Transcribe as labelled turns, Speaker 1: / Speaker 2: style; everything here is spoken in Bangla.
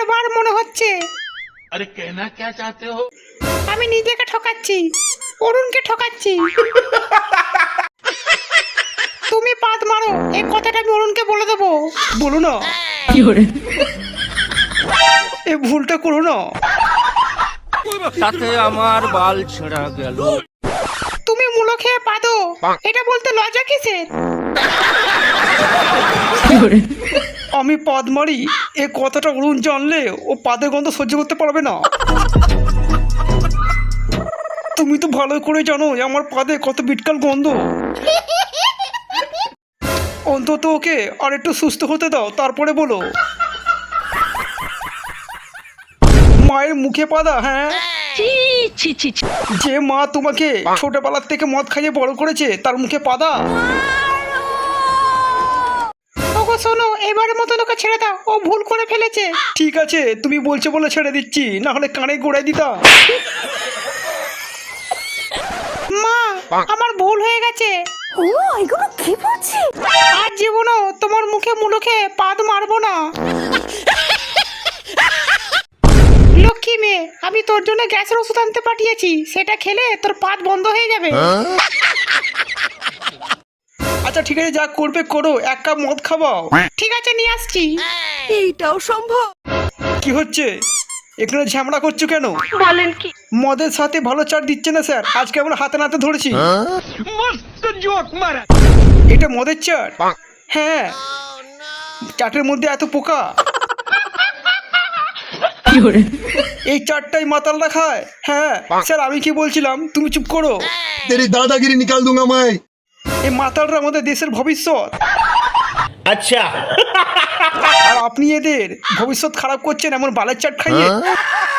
Speaker 1: এবার মনে হচ্ছে
Speaker 2: अरे कहना क्या चाहते हो?
Speaker 1: আমি নিজেকে ঠকাচ্ছি, অরুণকে ঠকাচ্ছি। তুমি পাদ মারো, এই কথাটা আমি অরুণকে বলে দেবো।
Speaker 3: বলো না, এই ভুলটা করো না।
Speaker 4: তাতে আমার বাল ছেঁড়া গেল।
Speaker 1: তুমি মূলো খেয়ে পাদো, এটা বলতে লজ্জা কিসের?
Speaker 3: আমি পাদ মারি, এই কথাটা অরুণ জানলে ও পাদের গন্ধ সহ্য করতে পারবে না। তুমি তো ভালো করে জানো আমার পাদে কত বিটকাল গন্ধ। অন্তত ওকে আর একটু সুস্থ হতে দাও, তারপরে বলো। মায়ের মুখে পাদা? হ্যাঁ, যে মা তোমাকে ছোটবেলার থেকে মদ খাইয়ে বড় করেছে তার মুখে পাদা?
Speaker 1: ওগো শোনো, এবারের মতো ওকে ছেড়ে দাও, ও ভুল করে ফেলেছে।
Speaker 3: ঠিক আছে, তুমি বলছো বলে ছেড়ে দিচ্ছি, না হলে কানে গোড়ায় দিতাম।
Speaker 1: মা, আমার ভুল হয়ে গেছে।
Speaker 5: ও এগুলো কি বলছিস?
Speaker 1: আর জীবনও তোমার মুখে মুলো খেয়ে পাদ মারবো না। লক্ষ্মী মেয়ে, আমি তোর জন্য গ্যাসের ওষুধ আনতে পাঠিয়েছি, সেটা খেলে তোর পাদ বন্ধ হয়ে যাবে।
Speaker 3: আচ্ছা ঠিক আছে, যা করবে করো, এক কাপ মদ খাওয়াও।
Speaker 1: ঠিক আছে, নিয়ে আসছি।
Speaker 5: এইটাও সম্ভব?
Speaker 3: কি হচ্ছে এখানে, ঝামেলা করছো কেন?
Speaker 5: বলেন কি?
Speaker 3: মদের সাথে ভালো চাট দিচ্ছে না স্যার, আজকে আমরা হাতে নাতে ধরেছি। এটা মদের চাট? হ্যাঁ, চাটের মধ্যে এত পোকা। এই চাটটাই মাতালরা খায়। হ্যাঁ স্যার, আমি কি বলছিলাম, তুমি চুপ করো।
Speaker 6: तेरी दादागिरी निकाल दूंगा मैं।
Speaker 3: এই মাতালরা আমাদের দেশের ভবিষ্যৎ।
Speaker 2: अच्छा
Speaker 3: আর আপনি এদের ভবিষ্যৎ খারাপ করছেন এমন বালের চাট খাইয়ে।